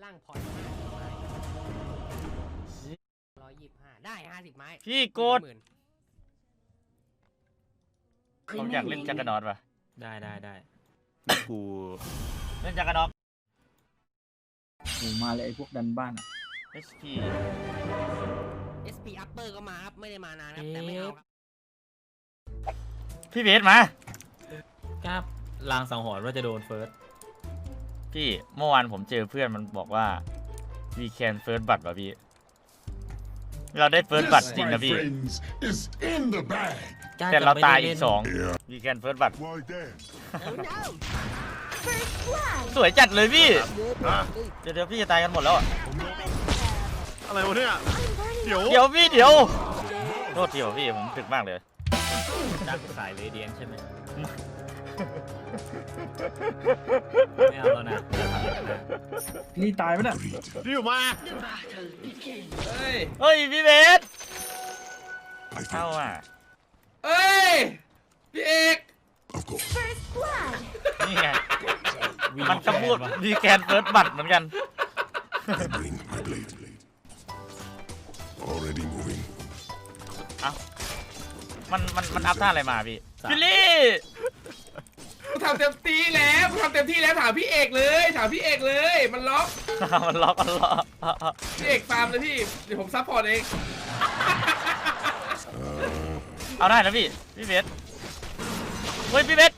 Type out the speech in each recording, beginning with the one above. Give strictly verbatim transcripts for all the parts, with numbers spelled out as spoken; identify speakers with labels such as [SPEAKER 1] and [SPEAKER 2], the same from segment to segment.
[SPEAKER 1] ล่างพอร์ตร้อยยี่สิบห้าได้ห้าสิบไม้
[SPEAKER 2] พี่กดผมอยากเล่นจักรนอตป่ะ
[SPEAKER 3] ได้ได้ได้
[SPEAKER 2] กูเล่นจักรนอต
[SPEAKER 4] โอ้มาเลยไอ้พวกดันบ้านอ่ะ
[SPEAKER 2] เอส พี
[SPEAKER 1] เอส พี upper ก็มาครับไม่ได้มานานครับแต่ไม่เอาครับ
[SPEAKER 2] พี่เบสมา
[SPEAKER 3] ครับลางสังหรณ์ว่าจะโดนเฟิร์ส
[SPEAKER 2] พี่เมื่อวานผมเจอเพื่อนมันบอกว่า we can first บัตรป่ะพี่เราได้เฟิร์สบัตรจริงนะพี่แต่เราตายอีกสอง we can first บัตรสวยจัดเลยพี่เดี๋ยวเดี๋ยวพี่จะตายกันหมดแล้ว
[SPEAKER 5] อะไรวะเนี่ยเดี๋ยว
[SPEAKER 2] เดี๋ยวพี่เดี๋ยวโทษทีว่ะพี่ผมถึกมากเลย
[SPEAKER 3] ดักสายเรเดียนใช่ไหมไม่เอาแล้วนะ
[SPEAKER 4] นี่ตายไหมเนี่ย
[SPEAKER 5] รีบมา
[SPEAKER 2] เฮ้ยเฮ้ยพี่เบสเข้าอ่ะ
[SPEAKER 6] เฮ้ยพี่เอก
[SPEAKER 2] นี่ไงมันก็พูดมีแกนเฟิร์สบัตรเหมือนกันเอ้ามันมันมันอัพท่าอะไรมาพี่ฟิลลี่
[SPEAKER 6] กูทำเต็มที่แล้วกูทำเต็มที่แล้วถามพี่เอกเลยถามพี่เอกเลยมันล็อก
[SPEAKER 2] มันล็อกมันล็อก
[SPEAKER 6] พี่เอกฟาร์มเลยพี่เดี๋ยวผมซัพพอร์ตเอง
[SPEAKER 2] เอาได้นะพี่พี่เบสเฮ้ยพี่เบส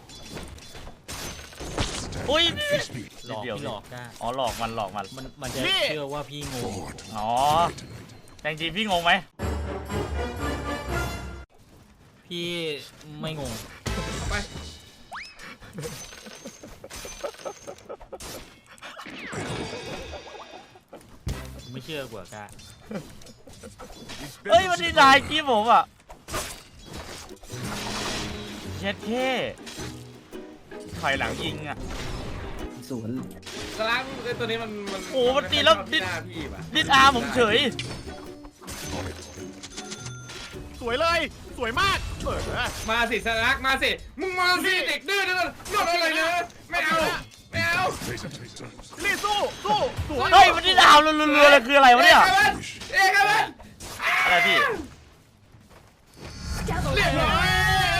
[SPEAKER 2] อุ้ย
[SPEAKER 3] หลอกพี่หลอกได้
[SPEAKER 2] อ๋อหลอกมันหลอกมัน
[SPEAKER 3] มันมันจะเชื่อว่าพี่งง
[SPEAKER 2] อ๋อแต่จริงพี่งงไหม
[SPEAKER 3] พี่ไม่งง
[SPEAKER 6] ไป
[SPEAKER 3] ไม่เชื่อกว่ากา
[SPEAKER 2] เฮ้ยมันดีใจกี้ผมอ่ะเช็ดเท่ถอยหลังยิงอ่ะ
[SPEAKER 4] สวน
[SPEAKER 6] กระลังตัวนี้มันมัน
[SPEAKER 2] โอ้มันตีแล้วดิดดิดอาผมเฉย
[SPEAKER 5] สวยเลยสวยมากเออ
[SPEAKER 6] มาสิสลักมาสิมึงมาสิเด็กดื้อนี่มันนอนอะไรเนี่ยไม่เอาไม่เอา
[SPEAKER 5] รีสู้สู้สวย
[SPEAKER 2] เฮ้ยมันดิดอารัวๆเลยคืออะไรวะเนี่ย
[SPEAKER 6] เอกครับ
[SPEAKER 2] อะไรพี่
[SPEAKER 6] เรียบร้อย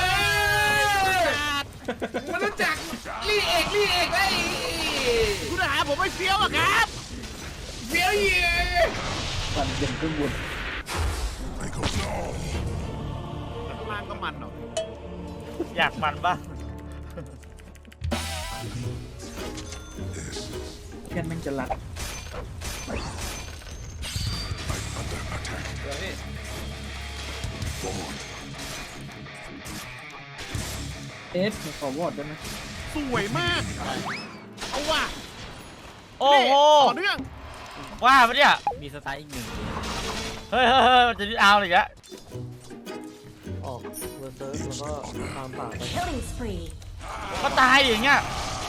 [SPEAKER 6] มันรู้จักลี่เอกลี่เอกไอ้
[SPEAKER 5] คุณหาผมไม่เฟี้ยวอะครับ
[SPEAKER 6] เฟี้ยวเยี่ย
[SPEAKER 4] มันเย็นขึ้นบน
[SPEAKER 5] ล่างก็มันเหรอ
[SPEAKER 2] อยากมันบ้าง
[SPEAKER 4] แค่แม่งจะรักเอสขอวอดได้ไหม
[SPEAKER 5] สวยมากเอาว่ะ
[SPEAKER 2] โอ้โห
[SPEAKER 5] ต่อเนื่อง
[SPEAKER 2] ว่าปะเนี่ย
[SPEAKER 3] มีสไตล์อีกหนึ่ง
[SPEAKER 2] เฮ้ยเฮ้ยเฮ้ยมันจะดิดอาอะไรอย่างเงี้ย
[SPEAKER 4] ออกเวอร์เซิร์ฟแล้วก็ตามป่า
[SPEAKER 2] ก็ตายอย่างเงี้ย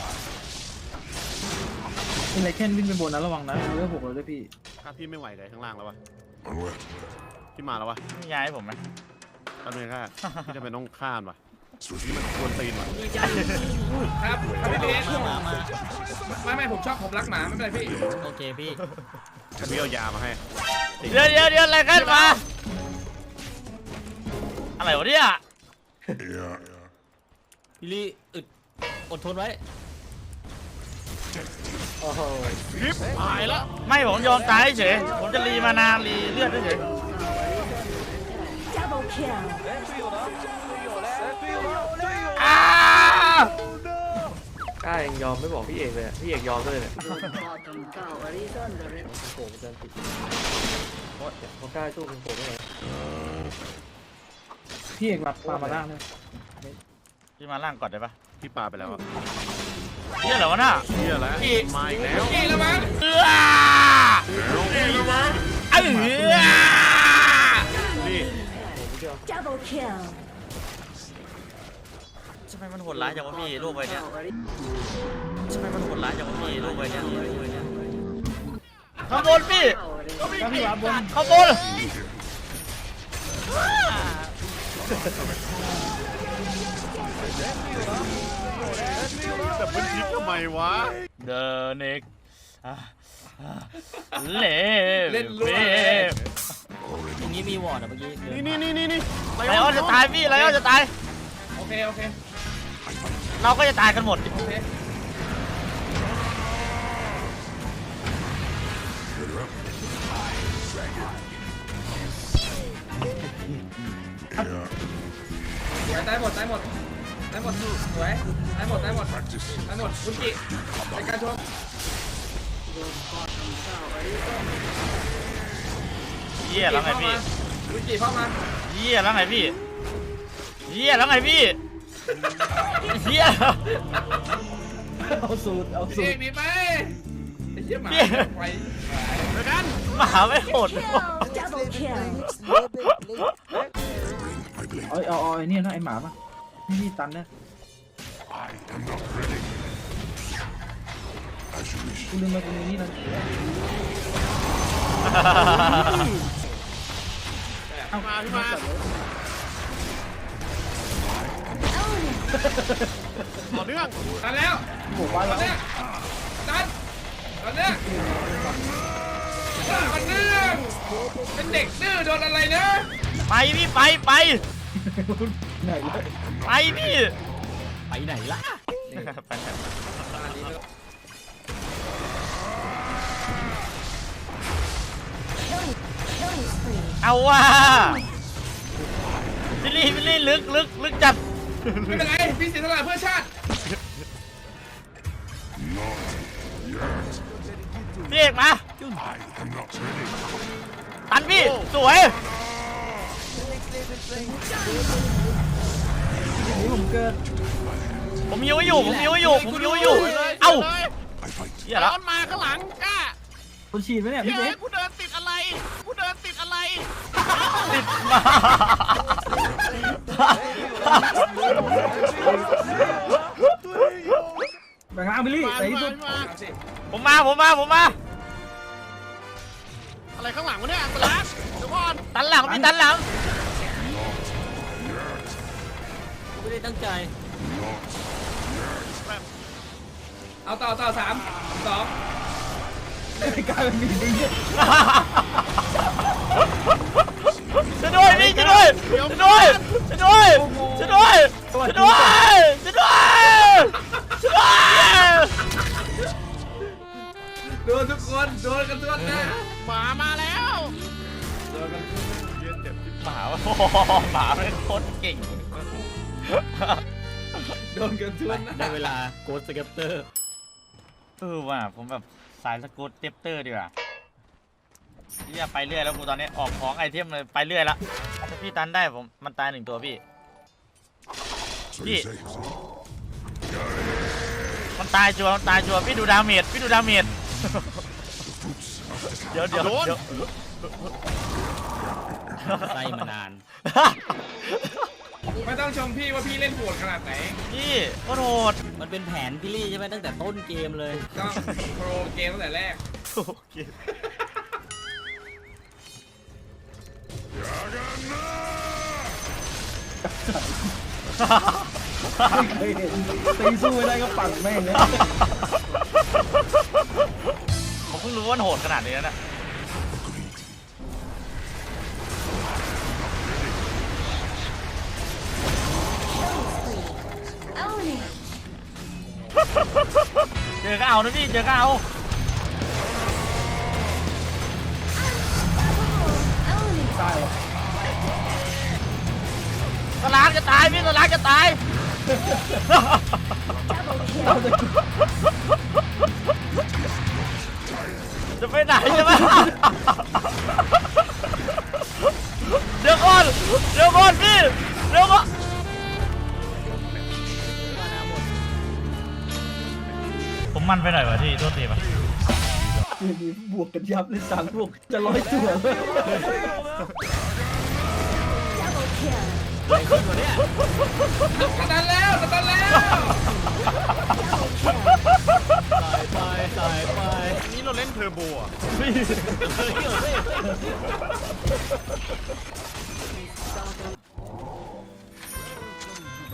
[SPEAKER 4] เป็นไรแค่วิ่งไปบนนะระวังนะเรื่องหกเลยด้วยพี่
[SPEAKER 5] ถ้าพี่ไม่ไหวเลยข้างล่างแล้ววะพี่มาแล้ววะ
[SPEAKER 2] ไม่ย้ายผมไหม
[SPEAKER 5] ตอนนี้ค่ะพี่จะเป็นต้องข้ามวะนี่มันควรตีนวะ
[SPEAKER 6] ครับครับพี่เบสมามาไม่ไม่ผมชอบผมรักหมาไม่เป็นไรพี่
[SPEAKER 3] โอเคพี่
[SPEAKER 5] พี่เอายามาให้
[SPEAKER 2] เดี๋ยวเดี๋ยวเดี๋ยวอะไรกันมาอะไรวะเนี่ย
[SPEAKER 3] พี่ลี่อึดอดทนไว้
[SPEAKER 4] โอ้โห
[SPEAKER 5] ริบหายแล้ว
[SPEAKER 2] ไม่ผมยอมตายเฉยผมจะรีมานานรีเลือดเฉยอ้าก
[SPEAKER 4] ล้ายังยอมไม่บอกพี่เอกเลยพี่เอกยอมเลยเนี่ยโผล่มาจันติเพราะเขากล้าสู้คุณโผล่ไม่ได้พี่เอกมาปามาล่างเลย
[SPEAKER 2] พี่มาล่างก่อนได้ปะ
[SPEAKER 5] พี่ปาไปแล้วอะ
[SPEAKER 2] เฮียเหรอวะน่ะ
[SPEAKER 5] เฮียแล้วมาอีกแล้ว
[SPEAKER 6] พี่แล้วมั้ง
[SPEAKER 2] เออ
[SPEAKER 5] พี่แล้วมั้ง
[SPEAKER 2] เออ
[SPEAKER 5] นี่
[SPEAKER 2] ทำไมมันโหดร้ายจังวะพี่ลูกไปเนี่ยทำไมมันโหดร้ายจังวะพี่ลูกไปเนี่ยข้างบนพี่ข้างบน
[SPEAKER 5] แต่มันยิงทำไมวะ
[SPEAKER 2] The next เล่
[SPEAKER 6] เล่นรั่ว
[SPEAKER 3] ตรงนี้มีวอร์ดอะเมื่อกี้
[SPEAKER 5] นี่นี่นี่นี่นี่
[SPEAKER 2] ไลออนจะตายพี่ไลออนจะตาย
[SPEAKER 6] โอเคโอเค
[SPEAKER 2] เราก็จะตายกันหมด
[SPEAKER 6] โอเคสวยตายหมดตายหมดตายหมดสวยตายหมดตายหมดตายหมดคุณกิในการชม
[SPEAKER 2] เยี่ยแล้วไงพี่
[SPEAKER 6] คุณกิเข้ามา
[SPEAKER 2] เยี่ยแล้วไงพี่เยี่ยแล้วไงพี่เยี่ย
[SPEAKER 4] เอาสูตรเอาสู
[SPEAKER 6] พี่
[SPEAKER 4] ตร
[SPEAKER 6] มีไหมไอ้เหี้ยหมาไป
[SPEAKER 5] เจอกัน
[SPEAKER 2] หมาไม่โหด
[SPEAKER 7] Double kill.
[SPEAKER 4] เอาเอาเอาไอ้นี่นะไอ้หมาปะนี่นี่ตันนะกูลืมมาตรงนี้นะ
[SPEAKER 5] เอามาพี่มา ต่อเนื่อง
[SPEAKER 6] ตันแล้ว
[SPEAKER 4] บอกว่า
[SPEAKER 6] ตัน
[SPEAKER 4] แล้ว
[SPEAKER 6] เนี้ยตันตันเนี้ยมันเรื่องเป็นเด็กดื้อโดนอะไรนะ
[SPEAKER 2] ไปพี่ไปไป
[SPEAKER 4] ไหนเลย
[SPEAKER 2] ไปพี่
[SPEAKER 3] ไปไหนล่ะ
[SPEAKER 2] ไปไหน
[SPEAKER 6] อันนี้ด้วย
[SPEAKER 7] Killing spree.
[SPEAKER 2] เอาว่ะพี่ลี่พี่ลี่ลึกลึกลึกจัด
[SPEAKER 6] ไม่เป็นไรพี่เสียสละเพื่อชาติ
[SPEAKER 2] พี่เอกมาตันพี่สวย
[SPEAKER 4] นี่ผมเกิด
[SPEAKER 2] ผมยิ้วอยู่ผมยิ้วอยู่ผมยิ้วอยู่เอ้าเหี้ย
[SPEAKER 5] แล้
[SPEAKER 2] แล้ว ว
[SPEAKER 5] มันมาข้างหลังกล้า
[SPEAKER 4] คนฉีดไหมเนี่ยพี่
[SPEAKER 5] เฮ้
[SPEAKER 4] เบ๊
[SPEAKER 5] ยกูเดินติดอะไรกูเดินติดอะไร
[SPEAKER 2] ติดมา
[SPEAKER 4] แบ่งร่างไปลี่
[SPEAKER 5] มา
[SPEAKER 4] ไหน
[SPEAKER 5] พี่
[SPEAKER 4] สุ
[SPEAKER 5] มา
[SPEAKER 4] ด
[SPEAKER 5] พี่มา
[SPEAKER 6] เอาสิ
[SPEAKER 2] ผมมาผมมาผมมา
[SPEAKER 5] อะไรข้างหลังวะเนี่ยอันตรายเดี๋ยวก่อน
[SPEAKER 2] ตันหลังพี่ตันหลัง
[SPEAKER 3] ไม่ได้ตั้งใจ
[SPEAKER 6] เอาต่อต่อสามสอง
[SPEAKER 4] กลายเป็นมีดีเนี่ย
[SPEAKER 2] ช่วยด้วยพี่ช่วยด้วยช่วยด้วยช่วยด้วยช่วยด้วยช่วยด้วยช่วยด้วยช่วยด้วย
[SPEAKER 6] โดนทุกคนโดนกันทุกคนนะ
[SPEAKER 5] หมามาแล้ว
[SPEAKER 6] โดนกัน
[SPEAKER 2] หมาโอ้โหหมาเป็นโคตรเก่ง
[SPEAKER 6] โดนกันทุกคนนะ
[SPEAKER 3] ได้เวลาโกดสเก็ปเตอร์
[SPEAKER 2] เออว่ะผมแบบสายสกูตเตปเตอร์ดีกว่าเรียไปเรื่อยแล้วกูตอนนี้ออกของไอเทมเลยไปเรื่อยละถ้าพี่ตันได้ผมมันตายหนึ่งตัวพี่พี่มันตายจัวมันตายจัวพี่ดูดาเมจพี่ดูดาเมจเดี๋ยวเดี๋ยวเดี๋ยว
[SPEAKER 3] ไล่มานาน
[SPEAKER 6] ไม่ต้องชมพี่ว่าพี่เล่นโหดขนาดไหน
[SPEAKER 2] พี่โคตรโหด
[SPEAKER 3] มันเป็นแผนพี่ลี่ใช่ไหมตั้งแต่ต้นเกมเลย
[SPEAKER 6] ต้องโปรเกมตั้งแต่แรก
[SPEAKER 2] โอเค
[SPEAKER 4] ไม่เคยเห็นตีสู้ไม่ได้ก็ปั่นแม่งเลย
[SPEAKER 2] ผมเพิ่งรู้ว่ามันโหดขนาดนี้นะ
[SPEAKER 7] Own it.
[SPEAKER 2] เจอก็เอานะพี่เจอก็เอา
[SPEAKER 7] Own it.
[SPEAKER 4] ตาย
[SPEAKER 2] สลากจะตายพี่สลากจะตาย
[SPEAKER 7] Double kill.
[SPEAKER 2] จะไปไหนใช่ไหมเดี๋ยวก่อนเดี๋ยวก่อนพี่เดี๋ยวก่อนผมมันไปหน่อยวะที่โทษทีป่ะ
[SPEAKER 4] เดี๋ยวนี้บวกกันยับเลยสามบวกจะร้อยตัวเลย
[SPEAKER 7] Double kill.
[SPEAKER 3] ไอ้คนตัวเนี้ย
[SPEAKER 6] สตันแล้วสตันแล้ว
[SPEAKER 3] ตายไปตายไป
[SPEAKER 5] อันนี้เราเล่นเทอร์โบอ่ะ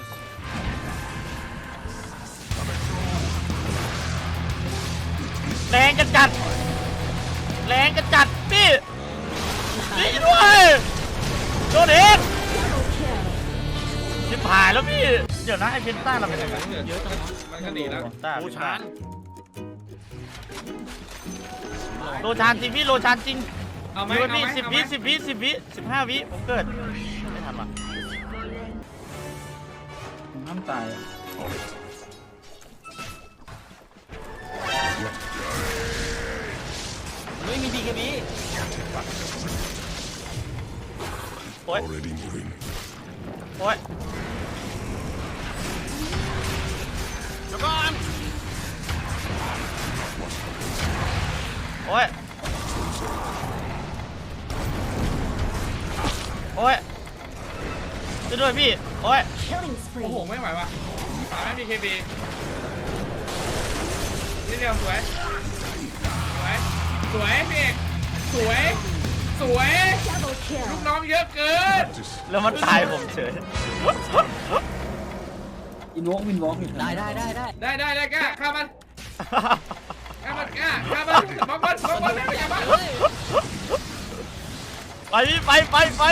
[SPEAKER 2] เแรงจัดจัดแรงจัดจัดพี่พี่ด้วยโดนเองชิบหายแล้วพี่เดี๋ยวนะไอเพนต้าเราเป็นยังไง
[SPEAKER 6] เยอะจังมันก็หนีแล้ว
[SPEAKER 2] ต้า
[SPEAKER 5] โอชาน
[SPEAKER 2] โลชานจริงพี่โลชานจริง
[SPEAKER 6] เอาไหม
[SPEAKER 2] ดู
[SPEAKER 6] เอาไหม
[SPEAKER 2] พี่สิบ
[SPEAKER 6] เอาไหม
[SPEAKER 2] วิสิบวิสิบวิสิบห้าวิผมเกิดไม่ทันว่ะ
[SPEAKER 3] ห้ามตาย
[SPEAKER 1] ไม่มีบีเคบี
[SPEAKER 2] โอ้ยโอ้ย
[SPEAKER 5] เดี๋ยวก่อน
[SPEAKER 2] โอ้ยโอ้ยช่วยด้วยพี่โอ้ย
[SPEAKER 7] Killing
[SPEAKER 6] โอ้โห
[SPEAKER 7] spree.
[SPEAKER 6] ไม่ไหวว่ะตายไม่มีเคบีนี่เดียวสวยสวยสวยพี่เอกสวยสวย
[SPEAKER 7] Double
[SPEAKER 6] ลูก
[SPEAKER 7] kill.
[SPEAKER 6] น้องเยอะเกิน
[SPEAKER 2] แล้วมันตายผมเฉย
[SPEAKER 3] อินวอล์กวินวอล์กอยู่
[SPEAKER 1] ได้ได้ได้ได้
[SPEAKER 6] ได้ได้ได้กล้าฆ่ามันฆ่ามันกล้าฆ่ามันบล็อกมันบล็อกมันไม่อย่าบัง
[SPEAKER 2] ไปพี่ไปไปไป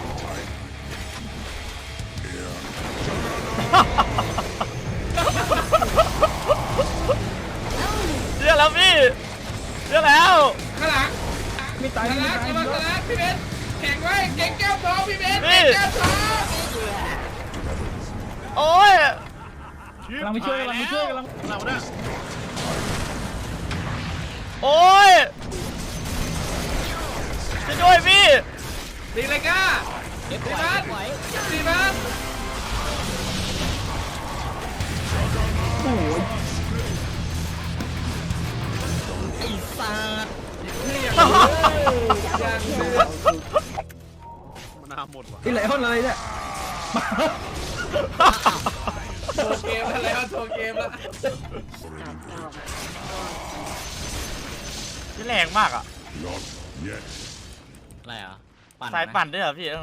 [SPEAKER 2] เชื่อแล้วพี่เชื่อแล้ว
[SPEAKER 6] ข้างหลังไม่ตายไม่ตายระวังตลาดพี่เบนแข็งไว้เก่งแก้วทองพี่เบนเก่งแก้วทอง
[SPEAKER 2] โอ้ย
[SPEAKER 3] กำลังไปช่วยกำลังไปช่วยกำลัง
[SPEAKER 5] เราเนี่ย
[SPEAKER 2] โอ้ยช่วยด้วยพี่
[SPEAKER 6] ตีเลยกล้า
[SPEAKER 1] เก็บ
[SPEAKER 6] ตี
[SPEAKER 1] ไว้
[SPEAKER 6] มัน
[SPEAKER 1] เก็บไว้
[SPEAKER 6] ตีมัน
[SPEAKER 1] ไอ้สัตว์
[SPEAKER 6] นี่อย่างนี้อย่างเดือด
[SPEAKER 5] มันนาหมดว่ะ
[SPEAKER 3] ไอ้ไหลห้องอะไรเนี่ย
[SPEAKER 6] โชว์เกมแล้วแล้วโชว์เกมแล้ว
[SPEAKER 2] พี่แรงมากอ่ะ
[SPEAKER 1] อะไรอ่ะปั่น
[SPEAKER 2] สายปั่นด้วยเหรอพี่เออ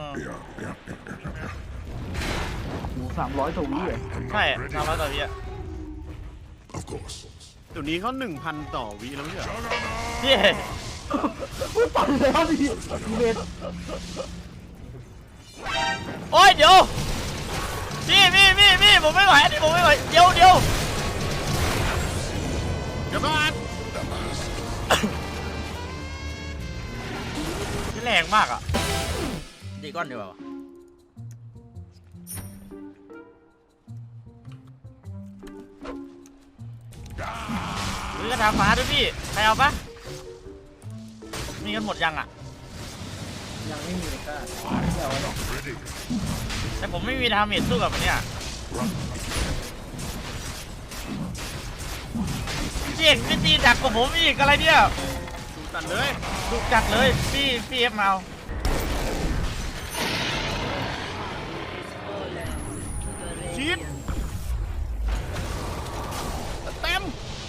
[SPEAKER 3] หมูสามร้อยตัววิเลย
[SPEAKER 2] ใช่ทำมาต่อพี่อะ
[SPEAKER 5] เดี๋ยวนี้เขาหนึ่งพันต่อวิแล้วไม่ใช่เหรอ
[SPEAKER 2] พี่
[SPEAKER 3] ปั่นแล้วดิเบส
[SPEAKER 2] โอ้ยเดี๋ยวพี่พี่พี่พี่ผมไม่ไหวอันนี้ผมไม่ไหวเดี๋ยวเดี๋ยว
[SPEAKER 5] เดี๋ยวก่อน
[SPEAKER 2] พี่แรงมากอ่ะดีก้อนดีกว่าวะหรือกระถางฟ้าด้วยพี่ใครเอาปะมีกันหมดยังอ่ะ
[SPEAKER 3] ยังไม่มีเลยกล้าไม่เอาหรอก
[SPEAKER 2] แต่ผมไม่มีดาเมจสู้กับมันเนี่ยพี่เอกพี่ตีดักกว่าผมอีกอะไรเนี่ย
[SPEAKER 5] ดูตันเลย
[SPEAKER 2] ถูกจัดเลยพี่พี่เอฟมาเอา
[SPEAKER 5] ชีดเต็ม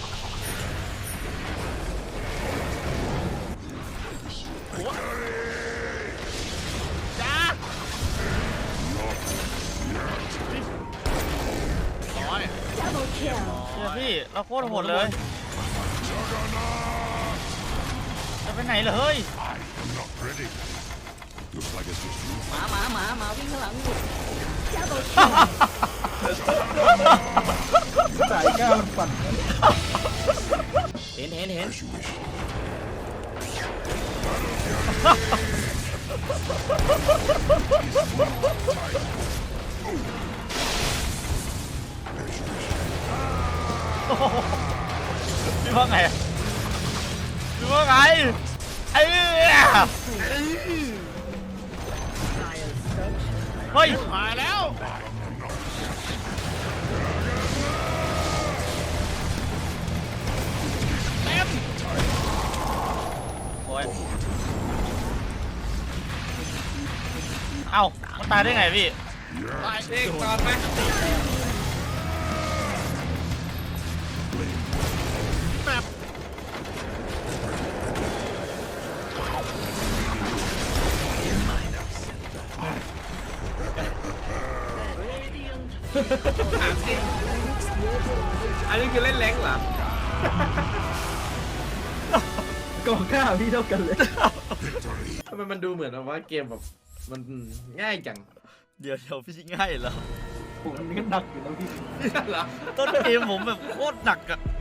[SPEAKER 5] โอ้จ้าร้อย
[SPEAKER 7] Double kill.
[SPEAKER 2] เชื่อพี่เราโคตรโหดเลยจะไปไหนเหรอเฮ้ย
[SPEAKER 1] หมาหมาหมาหมาวิ่งข้างหลังอยู่
[SPEAKER 7] Double kill.
[SPEAKER 3] สายก้าวมันปั่น
[SPEAKER 1] เห็นเห็นเห็น
[SPEAKER 2] พี่ว่าไงพี่ว่าไงไอ้เนี่ยเฮ้ย
[SPEAKER 5] หายแล้ว เต็ม
[SPEAKER 2] โอ้ยเอ้ามันตายได้ไงพี่
[SPEAKER 6] ตายเองตอนไหม
[SPEAKER 5] แบบ
[SPEAKER 6] ถามจริงอันนี้คือเล่นแรงเหรอ
[SPEAKER 4] กองข้าวพี่เท่ากันเลย
[SPEAKER 6] ทำไมมันดูเหมือนว่าเกมแบบมันง่ายจัง
[SPEAKER 2] เดี๋ยวเดี๋ยวพี่ง่ายเหรอ
[SPEAKER 4] ผมนี่ก็หนักอยู่นะพี่
[SPEAKER 6] เหรอ
[SPEAKER 2] ต้นเกมผมแบบโคตรหนักอะ